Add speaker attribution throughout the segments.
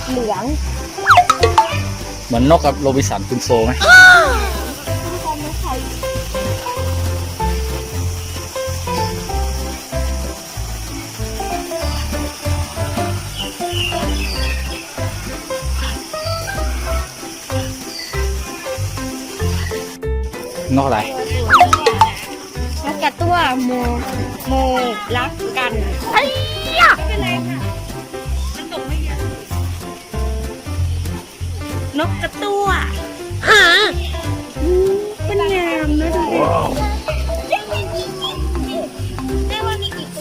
Speaker 1: เหลือง
Speaker 2: เหมือนนกกับโรบินสันคุณโซไหมนกอะไร
Speaker 1: นกกระตั้วโมรักกันไอ้ยะเป็นไรค่ะมันตกไม่เยอะนกกระตั้วหาเป็นงามนะดูได้ว่ามีกี่ตัว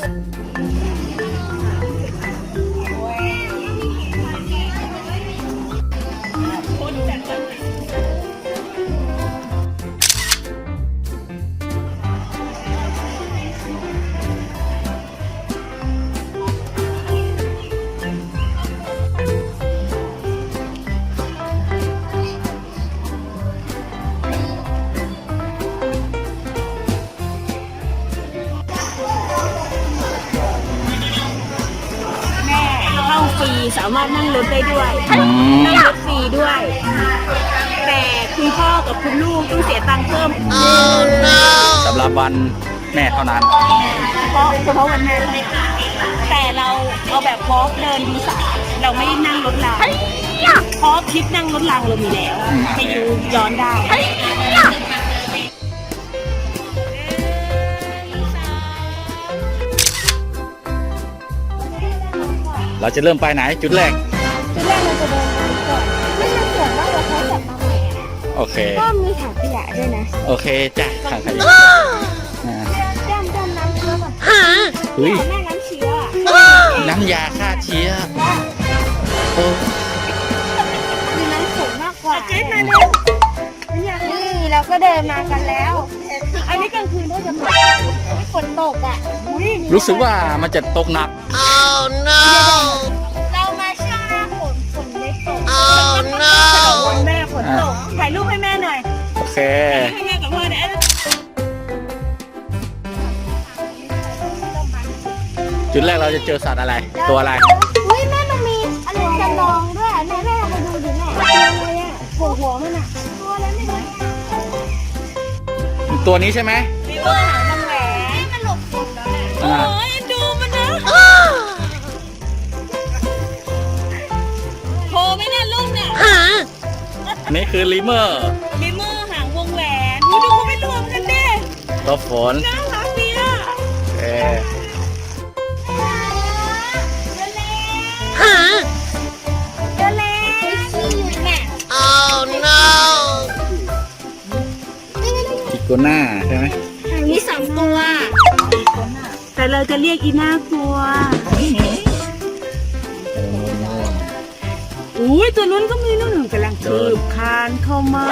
Speaker 1: ฟรีสามารถนั่งรถได้ด้วยนั่งรถฟรีด้วย แต่คุณพ่อกับคุณลูกต้องเสียตังค์เพิ่ม
Speaker 2: สำหรับวันแม่เท่านั้น
Speaker 1: เฉพาะวันแม่แต่เราเอาแบบวอล์กเดินดูสระเราไม่ได้นั่งรถรางเพราะคลิปนั่งรถรางเรามีแล้วไปดูย้อนได้
Speaker 2: เราจะเริ่มไปไหนจุดแรก
Speaker 1: เราจะเดินไปก่อนไม่ใช่ส่วนว่าเราเขาจัดมาใหม่
Speaker 2: โอเค
Speaker 1: ก็มีถังขยะด้วยนะ
Speaker 2: โอเคจ้ะถังขยะ
Speaker 1: ด้านน้ำเชื้อก่อน
Speaker 2: เฮ้ย
Speaker 1: แม่น้ำเชื้อ
Speaker 2: น้ำยาฆ่าเชื้อ
Speaker 1: มีน้ำสูงมากกว่าเจ๊มาเร็วนี่เราก็เดินมากันแล้วอันนี้กลางคืนก็จะฝนตกอ่ะ
Speaker 2: รู้สึกว่ามันจะตกหนัก
Speaker 1: เรามาช่วงหน้าฝนไม่ตกวันแม่ฝนตกถ่ายรูปให้แม่หน่อย
Speaker 2: โอเค
Speaker 1: ให้แม่กับพ่อเนี่ย
Speaker 2: จุดแรกเราจะเจอสัตว์อะไรตัวอะไร
Speaker 1: อุ้ยแม่มันมีอะไรจำลองด้วยแม่ไปดูดิแม่ตัวอะไรอ่ะหัวมันอ่ะตัวอะไรไม่รู้
Speaker 2: ตัวนี้ใช่ไหม
Speaker 1: มีตัวหางมันแหวนมันหลบฝนแล้วโอ้ยดูมันนะโผล่ไม่น่าลุ่มเนี่ย
Speaker 2: อันนี้คือลิเมอร์
Speaker 1: หางวงแหวนดูเขาไม่รวมกันดิ
Speaker 2: ตัวฝน
Speaker 1: น่ารักดีอ่ะ
Speaker 2: อีโกน่าใช่ไหม
Speaker 1: มี2 ตัวแต่เราจะเรียกอีน่ากลัวอุ้ยตัวนู้นก็มีนู่นกำลังคืบคานเข้ามา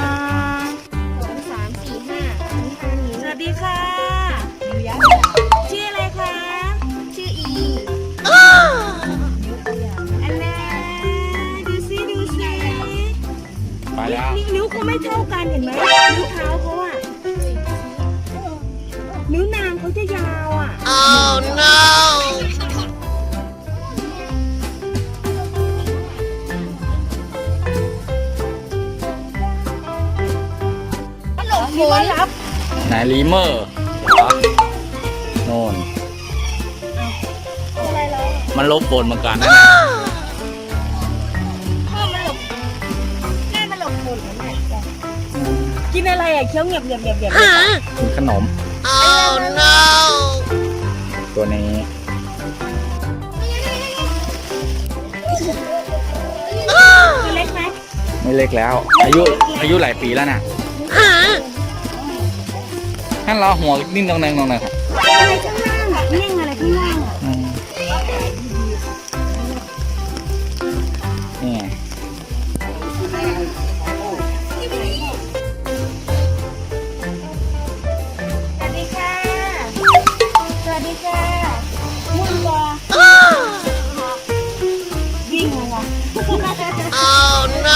Speaker 1: 2 3 4 5สวัสดีค่ะชื่ออะไรคะชื่ออีอันน่าดูสิ
Speaker 2: ไปแล้ว
Speaker 1: นิ้วเขาไม่เท่ากันเห็นไหมนิ้วเท้าเขาอ่ะนิ้วนางเขาจะยาวอ่ะ
Speaker 3: Oh no
Speaker 1: ฝนรับ
Speaker 2: ไหนลิเมอร์โน่นมันลบฝนเหมือนกันนะ
Speaker 1: มันหลบฝนกินอะไรอ่ะเคี้ยวเงียบ
Speaker 2: กินขนม
Speaker 3: Oh no
Speaker 2: ตัวนี้
Speaker 1: เล็กไหม
Speaker 2: ไม่เล็กแล้วอายุหลายปีแล้วน่ะท่านรอหัวนิ่งตรงนั้นครับ
Speaker 1: อะไรข้างล่างเลี้ยงอะไรข้างล่าง
Speaker 2: นี่
Speaker 1: สวัสดีค่ะมุ่งตัววิ่งเลยวะ
Speaker 3: Oh no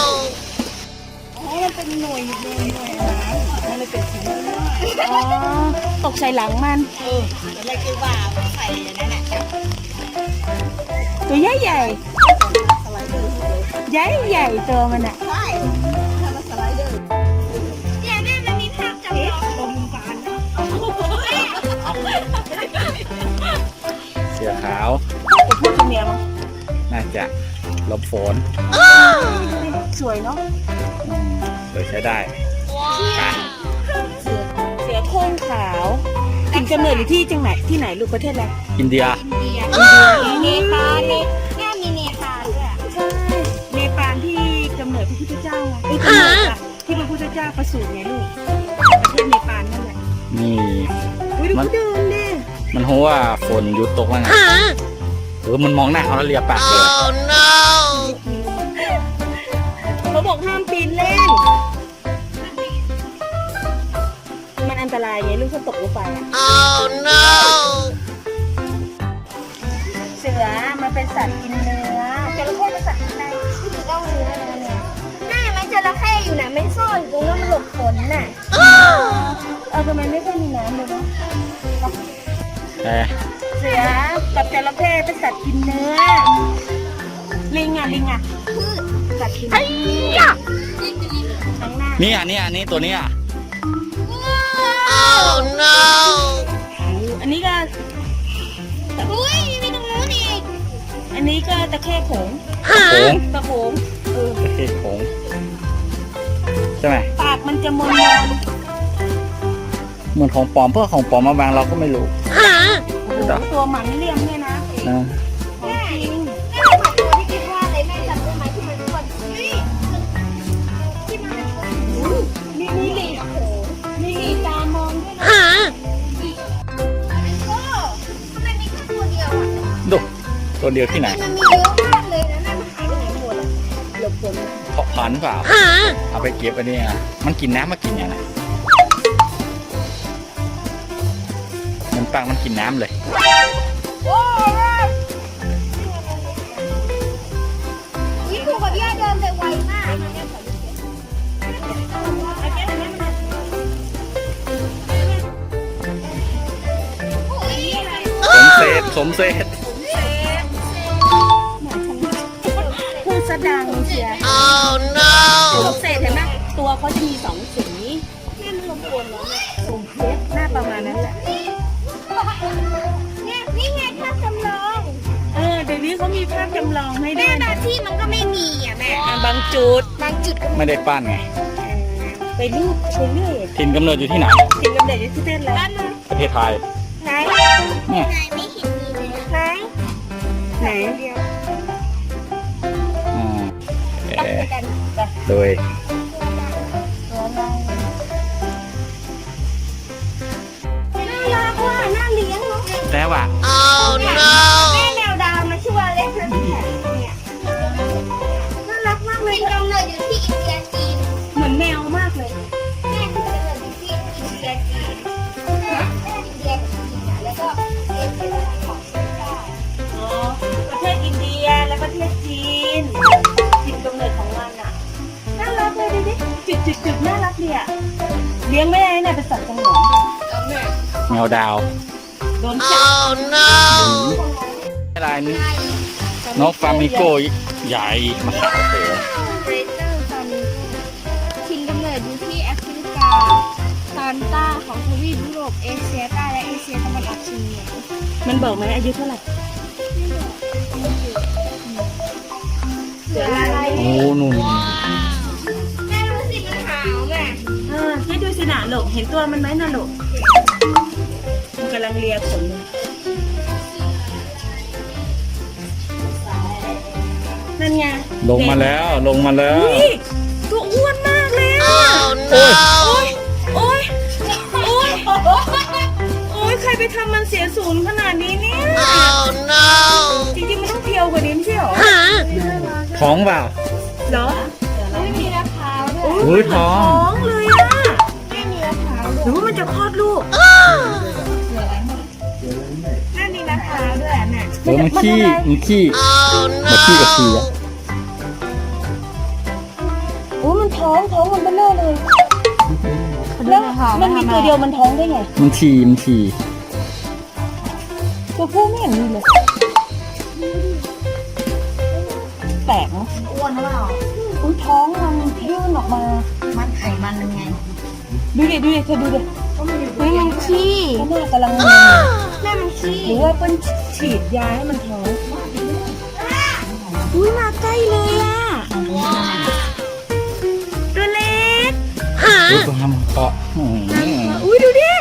Speaker 1: มันเป็นหน่วยนะมันเลยเป็นสีอ๋อตกใส่หลังมันอะไรคือว่าใส่อย่างนั้นแหละตัวใหญ่ใหญ่ใหญ่ตัวมันอะ
Speaker 4: ใช่ทำมาสไลเดอร์เนี่ยแม่มันมีภาพจำลองตรงกลาง
Speaker 2: เสือขาว
Speaker 1: จะพูดตัวเมียมั้ง
Speaker 2: น่าจะหลบฝน
Speaker 1: สวยเนาะ
Speaker 2: เลยใช้ได้
Speaker 1: เสือโคร่งขาวถิ่นกำเนิดอยู่ที่จังไหนที่ไหนลูกประเทศอะไร
Speaker 2: อินเดีย
Speaker 4: เนปาลเนี่ยแม่มีเนปาลด้วย
Speaker 1: ใช่เนปาลที่กำเนิดพระพุทธเจ้าไงไอ้กำเนิดอะที่พระพุทธเจ้าประสูติไงลูกประเทศเนปาลนั่นแหละ
Speaker 2: นี่
Speaker 1: อุ้ยดูเขาเดินดิ
Speaker 2: มันรู้ว่าฝนหยุดตกแล้วไงมันมองหน้าเขาแล้วเลียปากเลย
Speaker 3: Oh no!
Speaker 1: เขาบอกห้ามปีนเล่น มันอันตรายไงลูกถ้าตกลงไปอะ
Speaker 3: Oh no!
Speaker 1: เสือมันเป็นสัตว์กินเนื้อจระเข้เป็นสัตว์กินอะไร
Speaker 4: ที่ถือต้องเนื้อนะเนี่ยน่าจะไม่จระเข้อยู่ไหนไม่ซ่อนอยู่ตรงนั้นมันหลบฝนน่ะ
Speaker 1: ทำไมไม่ค่อยมีน้ำเลยวะ
Speaker 2: แต่
Speaker 1: เสือกับจระเข้เป็นสัตว์กินเนื้อ ลิงอ่ะสัตว์กินเนื้อข้างหน้า
Speaker 2: นี่ตัวเนี้ย
Speaker 3: Oh no!
Speaker 1: อันนี้ก็
Speaker 4: อุ้ยมีตรงนู้นอีก
Speaker 1: อันนี้ก็ตะเข้โขง
Speaker 2: โขง
Speaker 1: ตะโขง
Speaker 2: ตะเข้โขงใช่ไหม
Speaker 1: ปากมันจะมน
Speaker 2: เหมือนของปลอมเพื่อของปลอมมาบางเราก็ไม่รู้
Speaker 1: ตัวหมันเลี่ยมเนี่ยนะ
Speaker 2: นะ
Speaker 1: ของจริง
Speaker 4: แม่ผัดตัวที่คิดว่าอะไรแม่จำได้ไหมที่มันอ้วนนี่ที่มันเป็นอ้วน
Speaker 1: นี่ลิง
Speaker 4: โอ้โห
Speaker 1: นี่ลิงตามองด้วยนะ
Speaker 4: โอ้ทำไมมีแค่ตัวเดียวอ่ะ
Speaker 2: ดูตัวเดียวที่ไหน
Speaker 4: มันมีเยอะมากเลยนะแม่มันหายไปไหนหมดอ่ะ
Speaker 1: หลบฝน
Speaker 2: เพาะพันธุ์เปล่า เอาไปเก็บอันนี้อ่ะมันกินน้ำมากินอย่างไรมันปังมันกินน้ำเลย
Speaker 4: โอ้ยนี่ครูกับย่าเดินไปไวมากโอ้ย
Speaker 2: สมเศษ
Speaker 1: พูดสะดังเชียร์
Speaker 3: Oh
Speaker 1: ส
Speaker 3: no!
Speaker 1: มเศษเห็นไหมตัวเขาจะมีสองสี
Speaker 4: แม่มันรบกวนแล้วเนี่ย
Speaker 1: สมเพชรหน้าประมาณนั้นแหละ
Speaker 4: เนี่ยนี่ไงภาพจำลอง
Speaker 1: เดี๋ยวนี้เขามีภาพจำลองให้ด้
Speaker 4: แม่
Speaker 1: วย
Speaker 4: บางที่มันก็ไม่มีอ่ะแม่
Speaker 1: บางจุด
Speaker 4: บางจุดก็
Speaker 2: ไม่ได้ปั้นไง
Speaker 1: ไปรูปไปเรื่อย
Speaker 2: ถิ่นกำเนิดอยู่ที่ไหน
Speaker 1: สิ่งกำเนิดอยู่ที่เต้นแล้ว
Speaker 2: ประเทศไทย
Speaker 4: ไหน
Speaker 2: เนี่ย
Speaker 4: ไหนไม่เห็นมีเลยไหน
Speaker 1: ไหน
Speaker 4: เดียว
Speaker 2: อ่า
Speaker 4: ตั้งใจกัน
Speaker 2: โดย
Speaker 4: น่ารักว่ะน่าเลี้ยงเนาะ
Speaker 2: แต่ว่า
Speaker 3: Oh
Speaker 4: แม่
Speaker 3: no!
Speaker 4: แมวดาวมาชื่อว่าเล็กนะเนี่ยน่ารักมากเลยกำเนิดอยู่ที่อินเดียจีน
Speaker 1: เหมือนแมวมากเลย
Speaker 4: แม่ที่กำเนิดอยู่ที่อินเดียจีนแม่อินเดียจีนอ่ะแล้วก็เอเชียของเชียงราย
Speaker 1: อ๋อ ประเทศอินเดียและประเทศจีนถิ่นกำเนิดของมันอ่ะ น่ารักเลยดูดิจุดน่ารักดีอ่ะ เลี้ยงไม่ได้เนี่ยเป็นสัตว์สงวน
Speaker 2: แมวดาว
Speaker 1: โดนจับ
Speaker 3: Oh no!
Speaker 2: อะไรนี่นกฟลามิงโกใหญ่มาขาวเต๋อ
Speaker 4: เรเตอร์ฟามิงโกถิ่นกำเนิดอยู่ที่แอฟริกาตอนใต้ของทวีปยุโรปเอเชียใต้และเอเชียตะวันออกเฉียงเหนือ
Speaker 1: มันบอกไหมอายุเท่าไหร่เสืออะไร
Speaker 2: โอ้นุ่น
Speaker 4: แม่รู้สิมันขาวแม่
Speaker 1: ให้ดูสินะลูกเห็นตัวมันไหมนะลูกมันกำลังเลียขนเลยนั่นไง
Speaker 2: ลงมาแล้ว
Speaker 1: อุ้ยตัวอ้วนมากเลยอ่ะ
Speaker 3: Oh no!
Speaker 1: โอ๊ยโอ๊ยใครไปทำมันเสียศูนย์ขนาดนี้เนี่ย
Speaker 3: Oh no!
Speaker 1: จริงๆมันต้องเพียวกว่านี้ไม่ใช่หรอ
Speaker 2: ท้องเปล่า
Speaker 1: เหรอ
Speaker 4: ไม่มีมะพร้าวด้วย
Speaker 2: อุ้ยท้อง
Speaker 1: ท้องเลยอ่ะ
Speaker 4: ไม่มีมะพร้าว
Speaker 1: หรือว่ามันจะคลอดลูก
Speaker 4: แม่มีมะพร้าวด้วยแม่
Speaker 2: โอ้มันขี้
Speaker 3: Oh
Speaker 2: มาขี้กับขี้
Speaker 3: no!
Speaker 2: อะ
Speaker 1: โอ้มันท้องมันเบลอเลยแล้วมันมีตัวเดียวมันท้องได้ไง
Speaker 2: มันฉี่
Speaker 1: ตัวผู้ไม่เห็นมีเลยแปลกอ้วนหรือเปล่าอุ้ยท้องมันยื่นออกมา
Speaker 5: มันไขมันยังไง
Speaker 1: ดูดิเธอดูดิ
Speaker 4: เฮ้ยมันขี้
Speaker 1: เขาหน้ากำลังงง
Speaker 4: แม่มันขี้
Speaker 1: หรือว่าเปิ้ลฉีดยาให้มันท้อง
Speaker 4: อุ้ยมาใกล้เลยอ่ะตัวเล็ก
Speaker 2: ดูความเกาะ
Speaker 4: อุ้ยดูดิ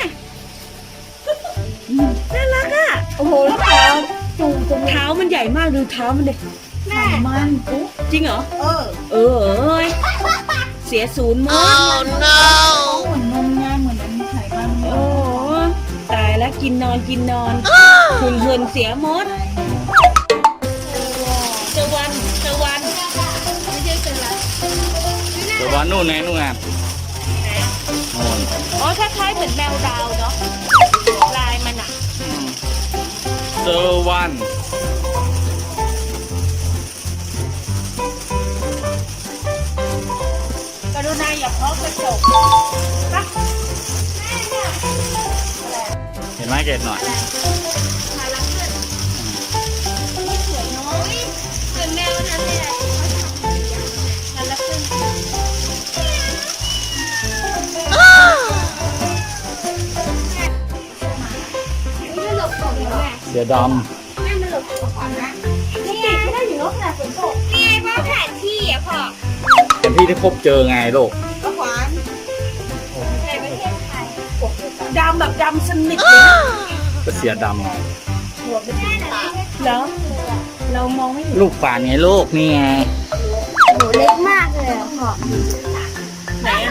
Speaker 4: น่ารักอ่ะ
Speaker 1: โอ้โหแล้วเท้าจูงจนเท้ามันใหญ่มากดูเท้ามันดิ
Speaker 4: แม่
Speaker 5: มัน
Speaker 1: จริงเหรอ เอ้ยเสียศูนย์หมด
Speaker 3: Oh no!
Speaker 5: เหมือนนมไงเหมือนมันไขมัน
Speaker 1: โอ้ตายแล้วกินนอนหุ่นเหินเสียหมดเจอวัน
Speaker 4: ไม่ใช่เป็นไร
Speaker 2: เดี๋ยววันนู่นไงนู่นไงโน่น
Speaker 1: อ๋อคล้ายๆเหมือนแมวดาวเนาะลายมันอะ
Speaker 2: เจอวัน
Speaker 1: กรุณาอย่าเคาะกระจกปะ
Speaker 2: เห็นไหมเกดหน่อย
Speaker 4: เหมือนแมวนั้นเลยอะ
Speaker 1: นั่นละขึ้น
Speaker 4: ไม่หลบก่อนแม่
Speaker 2: เสือด
Speaker 4: แม่มันหลบก่อนนะนี่ไงได้อยู่รถขนาดฝนตกนี่ไงว่าแผนที่อ่ะพ่อ
Speaker 2: ำเป็นที่ที่พบเจอไงลูก
Speaker 4: ก็ขวานในประเทศไทย
Speaker 1: ดำแบบดำสนิทเลยนะ
Speaker 2: ก็เสือดำไง
Speaker 1: แล้วเรามองไม่เห็น
Speaker 2: ลูกฝานไงลูกนี่ไง
Speaker 4: หนูเล็กมากเลยอ่ะพ่อ
Speaker 1: ไหนอะ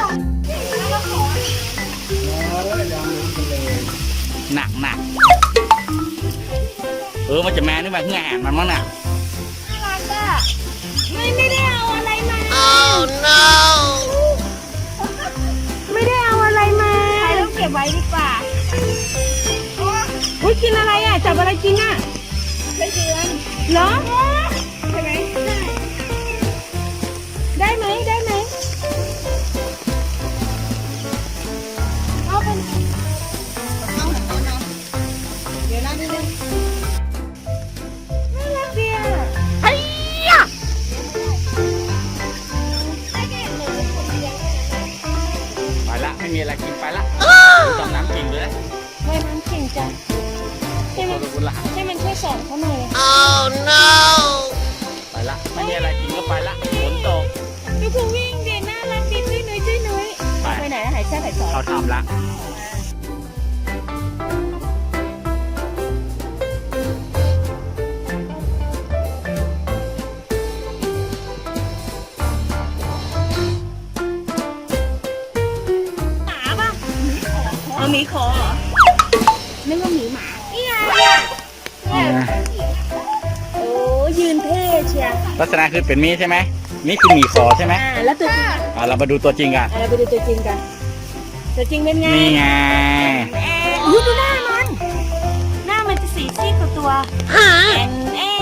Speaker 2: หนักมันจะแม่นึกว่าแง่มันมั้งน่ะ
Speaker 4: น่ารักอ่ะไม่ได้เอาอะไรมา
Speaker 3: Oh no!
Speaker 1: ไม่ได้เอาอะไรมา
Speaker 4: ใครต้องเก็บไว้ดีกว่า
Speaker 1: อุ้ยกินอะไรอะจับอะไรกินอะ
Speaker 4: ไม่เดือน
Speaker 1: เหรอ
Speaker 4: ใช่ไหมได้
Speaker 1: ได้ไหม
Speaker 4: เอาเป็น
Speaker 5: เดี๋ยวนะนิดนึง
Speaker 4: น่ารักดีอ่ะ
Speaker 1: ไอ้ยะ
Speaker 4: ไม่ได้หนูคนเดียว
Speaker 2: ไปละไม่มีอะไรกินไปละดูดำน้ำกิ่งเลย
Speaker 1: ว่ายน้ำเก่งจัง
Speaker 2: โอ้โหดูละ
Speaker 1: ให้มันช่วยสอนเขาหน่อย
Speaker 3: Oh no!
Speaker 2: ไปละไม่มีอะไรกินก็ไปละฝนตก
Speaker 1: ดูคือวิ่งดีน่ารักดีจุ้ยนุ้ย
Speaker 2: ไป
Speaker 1: ไปไหนอะหายแซ่บหายซอ
Speaker 2: เขาทำละ
Speaker 1: หมาป่ะเอาหมีขอเหรอ
Speaker 4: นึกว่าหมีหมานี่ไง
Speaker 1: โอ้ยืนเท่เชียร์
Speaker 2: ลักษณะคือเป็นมีใช่ไหมนี่คือหมีขอใช่ไหม
Speaker 1: แล้วตัวจริง
Speaker 2: เรามาดูตัวจริงกัน
Speaker 1: เราไปดูตัวจริงกันตัวจริงเป็นไง
Speaker 2: นี่ไง
Speaker 1: อุ้ยดูหน้ามันหน้ามันจะสีซีดกว่าตัวแอน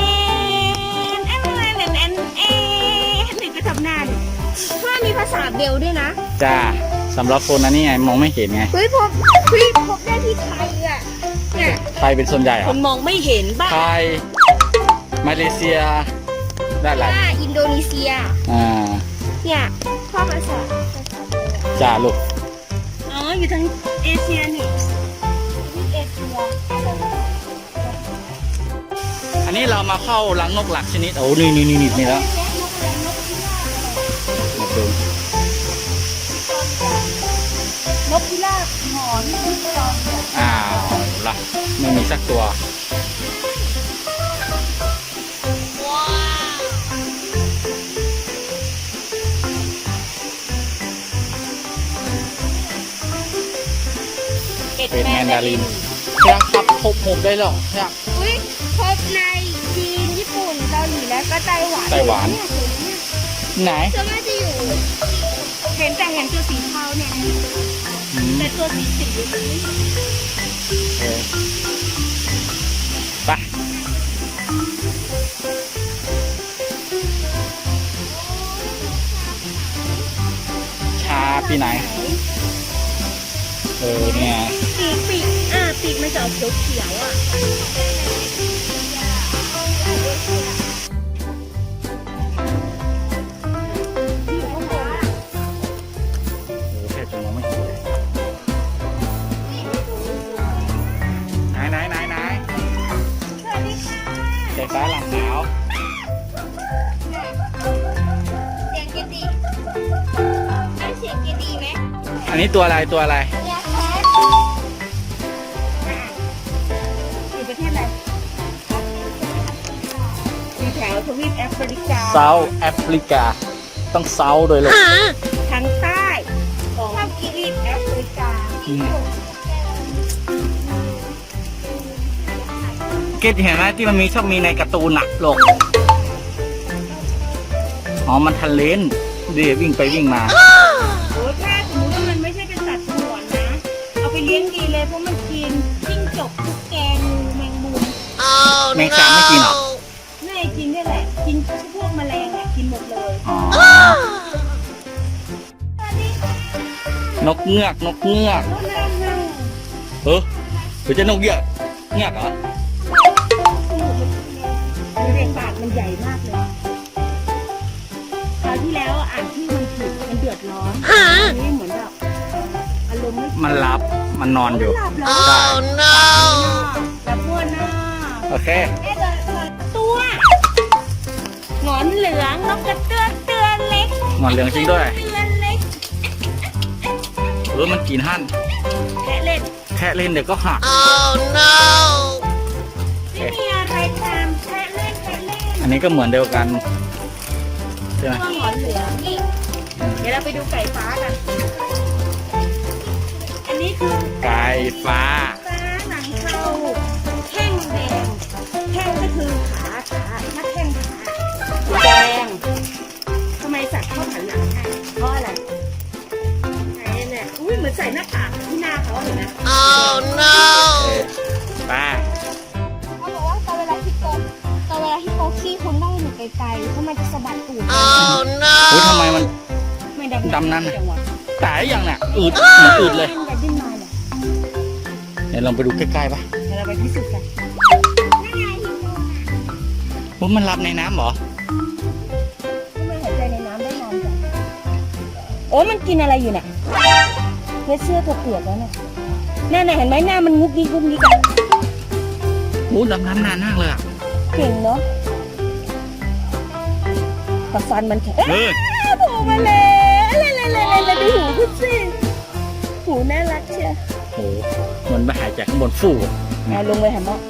Speaker 1: หนึ่งก็ทำหน้าดิ
Speaker 4: พ่อมีภาษาเบลด้วยนะ
Speaker 2: จ้าสำหรับคนนั้นนี่ไงมองไม่เห็นไง
Speaker 4: เฮ้ยพบได้ที่ไทยอ่ะเนี่ย
Speaker 2: ไทยเป็นส่วนใหญ่เหร
Speaker 1: ค
Speaker 2: อน
Speaker 1: มองไม่เห็นบ้า
Speaker 2: ไทยมาเลเซียได้หลาย
Speaker 4: อินโดนีเซีย เนี่ยพ่อภาษา
Speaker 2: จ้าลูก
Speaker 1: อ๋ออยู่ทั้งเอเชียนี่
Speaker 4: เอเชีย
Speaker 2: อันนี้เรามาเข้ารังนกหลักชนิดโอ้นี่แล้วมาดู
Speaker 1: นกพิราบหอนพิจอม
Speaker 2: อ้าวละไม่มีสักตัว
Speaker 1: เป็ด
Speaker 2: เป็น
Speaker 1: แม
Speaker 2: แม
Speaker 1: น
Speaker 2: น
Speaker 1: ดา
Speaker 2: ดา
Speaker 1: ริ
Speaker 2: ริ
Speaker 1: น
Speaker 2: นครับพบผมได้หรอครับ
Speaker 4: อุ้ยพบในจีนญี่ปุ่นเกาหลีและก็ไต้หวัน
Speaker 2: ไต้หวัน ไหน
Speaker 4: จะน่าจะอยู่
Speaker 1: เห็นตัวสีเทาเนี่ย
Speaker 2: อืม
Speaker 1: แต่ตัวสีมันไม่เห็น
Speaker 2: ไปชาปีไหน เนี่ย
Speaker 1: ปีกมันจะออกเขียวๆอ่ะ
Speaker 2: สฟ้าหลังหนาว
Speaker 4: เสียงเกดีได้เสียงเกดีไหม
Speaker 2: อันนี้ตัวอะไรตัวอะไร
Speaker 4: ยาแคท
Speaker 1: อยู่ประเทศอะไรอยู่แถวทวีปแอฟริกา
Speaker 2: เซาท์แอฟริกา ต้องเซาท์โดยเลย
Speaker 1: ทางใต้ของทวีปแอฟริกา
Speaker 2: เกตเห็นไหมที่มันมีชอบมีในการ์ตูนหนักโลกอ๋อมันทะเลนเดี๋ยววิ่งไปวิ่งมา
Speaker 1: โอ้ถ้าสมมติว่ามันไม่ใช่เป็นสัตว์สงวนนะ เอาไปเลี้ยงดีเลยเพราะมันกินจิ้งจกตุ๊กแกงูแมงมุม
Speaker 3: Oh
Speaker 2: แมงสาบไม่กินเหรอ
Speaker 3: no!
Speaker 1: น่าจะกินได้แหละ กินพวกแมลงอ่ะกินหมดเลย
Speaker 2: อ๋อ นกเงือกนกเงือก
Speaker 1: แล้วนั่งนั่ง
Speaker 2: เออหรือจะนกเงือกเงือกเหรอ
Speaker 1: เรียงปากมันใหญ่มากเลยคราวที่แล้วอ่านที่มันผิดมันเดือดร้อนอันนี้เหมือนแบบอารมณ์ไม่
Speaker 2: มันหลับมันนอนอยู่
Speaker 1: หลับแล้ว
Speaker 3: Oh no!
Speaker 1: หลับบ้วนหน้า
Speaker 2: โอเค
Speaker 1: ตัวหงอนเหลืองนกกระเตือนเล็ก
Speaker 2: หมอนเหลืองจริงด้วย
Speaker 1: เตือนเล็ก
Speaker 2: มันกินหั่น
Speaker 1: แค่เล่น
Speaker 2: แค่เล่นเดี๋ยวก็หัก
Speaker 3: Oh no!
Speaker 1: ไม่มีอะไรทำแค่เล่นแค่เล่น
Speaker 2: อันนี้ก็เหมือนเดียวกันใช่ไหม
Speaker 1: ตัวหงอนเหลืองนี่เดี๋ยวเราไปดูไก่ฟ้ากันอันนี้คือ
Speaker 2: ไก่ฟ้า
Speaker 1: ฟ้าหนังเทาแข้งแดงแข้งก็คือขาถ้าแข้งขาแดงทำไมสัตว์เข้าหันหลังให้เพราะอะไรไหนเนี่ยอุ้ยเหมือนใส่หน้ากากที่หน้าเขาเห็นไหม
Speaker 3: Oh no!
Speaker 2: ป้า
Speaker 4: เขาบอกว่าตอนเวลาฮิปโปขี้คุณต้องอยู่ไกลๆเพราะมันจะสะบัดตูด
Speaker 3: Oh
Speaker 2: อุ้ยทำไม
Speaker 3: no!
Speaker 2: มัน
Speaker 1: ไม่
Speaker 2: ดำนั่น
Speaker 1: จังหวะ
Speaker 2: ตายยังน่ะอืดเหมือนอืดเลย
Speaker 1: ดิ้นไปดิ้นมาเนี่ย
Speaker 2: เดี๋ยวลองไปดูใกล้ๆป่ะ
Speaker 1: เดี๋ยวเราไปพิสูจน์กัน
Speaker 2: ว่ามันรับในน้ำเหรอ
Speaker 1: ทำไมหายใจในน้ำได้นานจังโอ้มันกินอะไรอยู่เนี่ยเสื้อตัวเปียกแล้วเนี่ยแน่ๆเห็นไหมหน้ามันงุกงิกงุกงิกอะ
Speaker 2: โอ้ดำน้ำนานมากเลยอ่ะ
Speaker 1: เก่งเนาะแต่ฟันมันแข็ง
Speaker 2: เออ
Speaker 1: โผล่มาแล้วอะไรดูหูคุณสิหูน่ารักเชียว
Speaker 2: โหเหมือนไปหายใจข้างบนฟู่
Speaker 1: เอาลงไปหาหมอ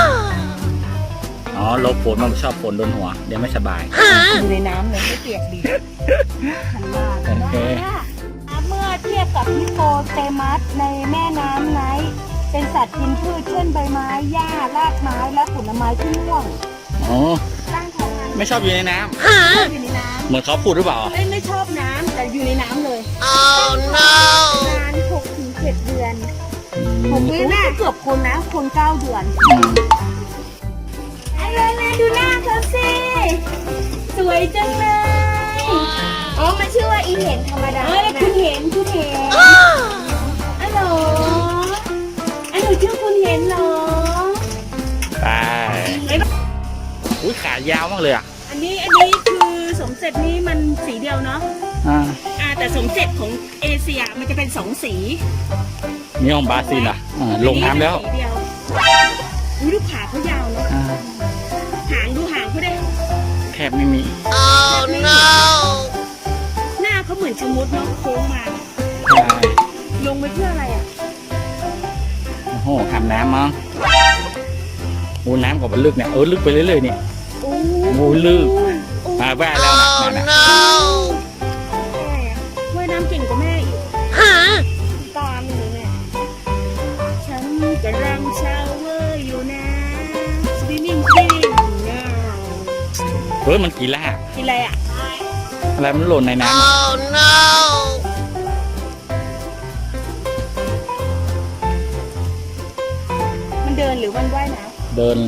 Speaker 2: อ๋อลบฝนมันชอบฝนโดนหัว เดี๋ยวไม่สบาย
Speaker 1: อยู่ในน้ำเลยไม่เปียกดีขันลาด
Speaker 2: โอเค
Speaker 1: เมื่อเทียบกับฮิปโปเตมัสในแม่น้ำไนท์เป็นสัตว์กินพืชเช่นใบไม้หญ้ารากไม้และผลไม้ที่ร่วง
Speaker 2: อ๋อ
Speaker 1: ตั้งท้องมัน
Speaker 2: ไม่ชอบอยู่ในน้
Speaker 1: อยู่ในน้
Speaker 2: ำเหมือนเขาพูดหรือเปล่า
Speaker 1: ำไม่ชอบน้ำแต่อยู่ในน้ำเลย
Speaker 3: Oh no!
Speaker 1: นาน6-7 เดือน6 เดือนน่าเกือบคนนะคน9 เดือน
Speaker 2: อืม
Speaker 1: อะไรดูหน้าเขาสิสวยจังเลย
Speaker 4: อ๋อมันชื่อว่าอีเห็นธรรมดา
Speaker 1: คุณเห็นอัลโหลอันหนูชื่อคุณเห็นเหรอ
Speaker 2: ไปอุ้ยขายาวมากเลยอ่ะ
Speaker 1: อันนี้คือสมเสร็จนี้มันสีเดียวเนาะ แต่สมเสร็จของเอเชียมันจะเป็น2 สี
Speaker 2: นี่ของบราซิลอ่ะลงน้ำแล้ว
Speaker 1: สีเดียวอุ๊ยลูกขาเขายาวเนาะ หางดูหางเขาได้
Speaker 2: แทบไม่มี
Speaker 3: Oh no!
Speaker 1: หน้าเขาเหมือนชะมุดเนาะโค้งมา
Speaker 2: ใช่
Speaker 1: ลงไปเพื่ออะไรอ่ะ
Speaker 2: โอ้โหอาบน้ำมั้งโอ้น้ำกับมันลึกเนี่ยลึกไปเรื่อยๆนี่
Speaker 1: โอ้
Speaker 2: โอ้ลึกแว่แล้วนะ
Speaker 3: Oh
Speaker 2: นั่นน่ะ
Speaker 3: no!
Speaker 1: แม่ว่ายน้ำเก่งกว่าแม่อีก
Speaker 4: ตามอยู่เนี่ย
Speaker 1: ฉันกำลังชาวเวอร์อยู่นะ swimming now
Speaker 2: มันกี่ล่า
Speaker 1: กินอะไรอ่ะ
Speaker 2: อะไรมันหล่นในน้ำ
Speaker 3: Oh no!
Speaker 1: มันเดินหรือมันว่ายน้
Speaker 2: เดิน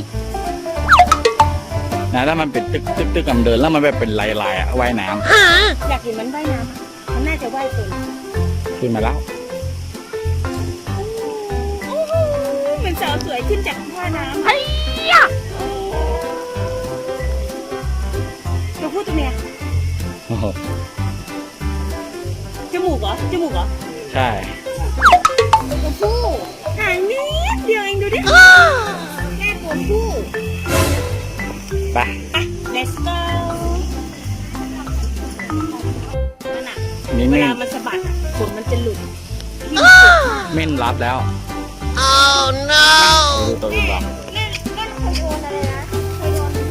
Speaker 2: นะถ้ามันเป็นตึกกับเดินแล้วมันแบบเป็นลายๆอ่ะว่ายน้
Speaker 1: ำอยากเห็นมันว่ายน้ำอะมันน่าจะว่ายเป็น
Speaker 2: ำขึ้นมาแล้ว
Speaker 1: โอ้โหเหมือนสาวสวยขึ้นจากว่ายน้ำตัวผู้ตัวเมีย
Speaker 2: โอ้โห
Speaker 1: จมูกเหรอ
Speaker 2: ใช่
Speaker 1: ตัวผู้หางนิดเดียวเองดูดิแค่ตัวผู้
Speaker 2: ไป
Speaker 1: let's go นั่นน่ะ
Speaker 2: นี่
Speaker 1: เว
Speaker 2: เม่น
Speaker 1: ลามันสะบัดอ่ะขนมันจะหลุด
Speaker 2: เม่นรับแล้ว
Speaker 3: Oh no!
Speaker 2: ดูตัวอื่นบ้าง
Speaker 4: เล่นเคยโดนอะไรนะเคยโดน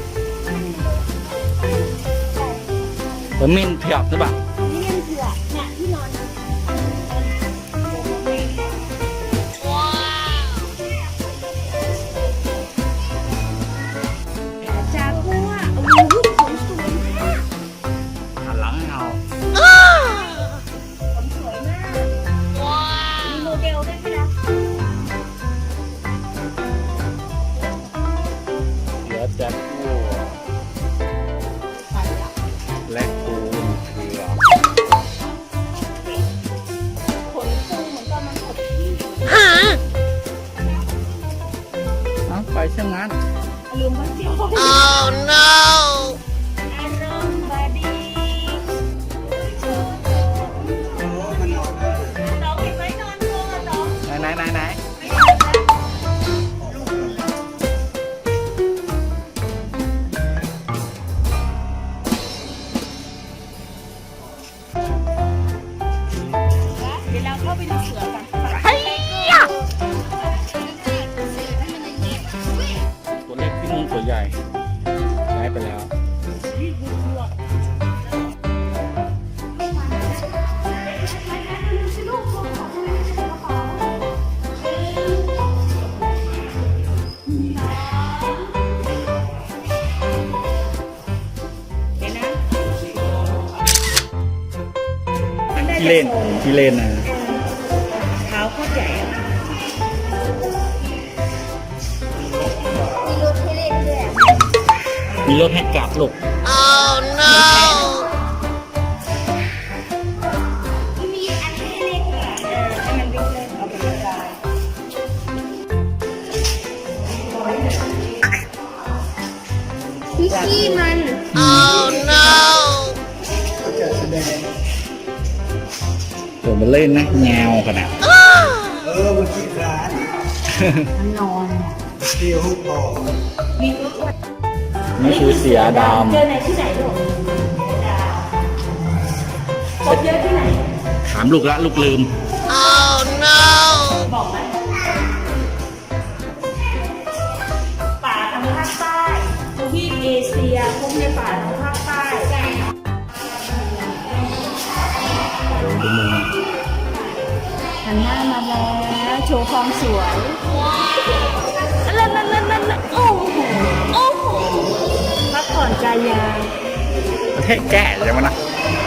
Speaker 2: เม่นเผือกหรือเปล่า
Speaker 1: นี่เล่นเผือกเนี่ยที่นอน จากัวโอ้โหสวยมาก
Speaker 2: หันหลังให้เอา
Speaker 1: สวยมากมีโมเดลด้วยไหมนะ
Speaker 2: เหลือแจ็ควัวและคูนเผือก
Speaker 1: ขนฟูเหมือนกับมันขดที่
Speaker 2: เอาไปเช่นนั้น
Speaker 1: ลืมว่าเจียว
Speaker 3: Oh no!
Speaker 1: อารมณ์บาดีน้องเห็นไหมนอนโง่น้อง
Speaker 2: ไหน
Speaker 1: เดี๋ยวเราเข้าไปดูเสือกัน
Speaker 2: ตัวเล็กที่นู่นตัวใหญ่ย้ายไปแล้ว
Speaker 1: เดี๋ยวนะ
Speaker 2: ที่เล่นนะ
Speaker 1: เท้าโคตรใหญ่อะ
Speaker 4: มีรถให้เล่นด้วยอะ
Speaker 2: มีรถให้กลับลูก
Speaker 3: Oh no!
Speaker 1: มีอันให้เล่นเหรอให้มันวิ่งเล่นเอาไปเล่นได้
Speaker 4: มีขี้มัน
Speaker 3: Oh no!
Speaker 2: เดี๋ยวมาเล่นนะแงวขนาด
Speaker 5: มันนอนเที่ยวพอ
Speaker 2: นี่คือเสียด
Speaker 1: เจอในที่ไหนลูกพบเยอะที่ไหน
Speaker 2: ำถามลูกละลูกลืม
Speaker 3: Oh no!
Speaker 1: บอกไหมป่าทางภาคใต้ทวีปเอเชียพบในป่าทางภาคใต้ หันหน้ามาแล้วโชว์ความสวยนั่นโอ้โหโอ้โหพักผ่อนกายยาว
Speaker 2: ประเทศแก่ใช่ไหมนะ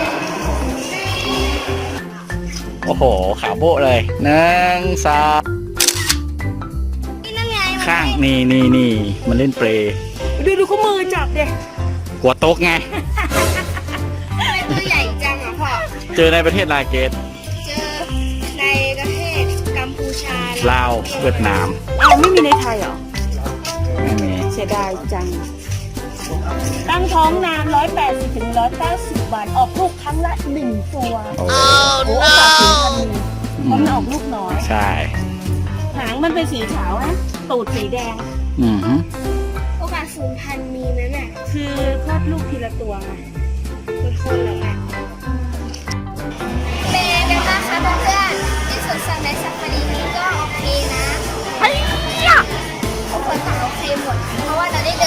Speaker 2: โอ้โห ขาโบะเลยหนึ่งสอง
Speaker 4: นี่นั่นไง
Speaker 2: ข้างนี่มันเล่นเปรย์
Speaker 1: ดูเขามือจับเด็ก
Speaker 2: กลัวโต๊ะไง
Speaker 4: ทำไมตัวใหญ่จังอ่ะพ่อ
Speaker 2: เจอในประเทศลาเกต
Speaker 4: เจอในประเทศกัมพูชา
Speaker 2: ลาว เวียดนาม
Speaker 1: อ้าวไม่มีในไทยเหรอ
Speaker 2: ไม่มี
Speaker 1: เสียดายจัง ตั้งท้องนาน180 ถึง 190 วัน ออกลูกครั้งละ 1 ตัว
Speaker 2: โอ้
Speaker 3: Oh
Speaker 1: โอ้โอกาสถึงพัน
Speaker 3: no!
Speaker 1: หนึ่งเพราะมันออกลูกน้อย
Speaker 2: ใช่
Speaker 1: หางมันเป็นสีขาวนะ ตูดสีแดง
Speaker 2: อือฮึ
Speaker 4: โอกาสสูญพันธุ์มีไหมแม่
Speaker 1: คือคลอดลูกทีละตัวไง
Speaker 4: เป็นคนเหรอแม่เป็นไงกันบ้างคะเพื่อนๆที่สวนสัตว์ในซาฟารีนี้ก็โอเคนะทุกคนต่างโอเคหมด เพราะว่าเราได้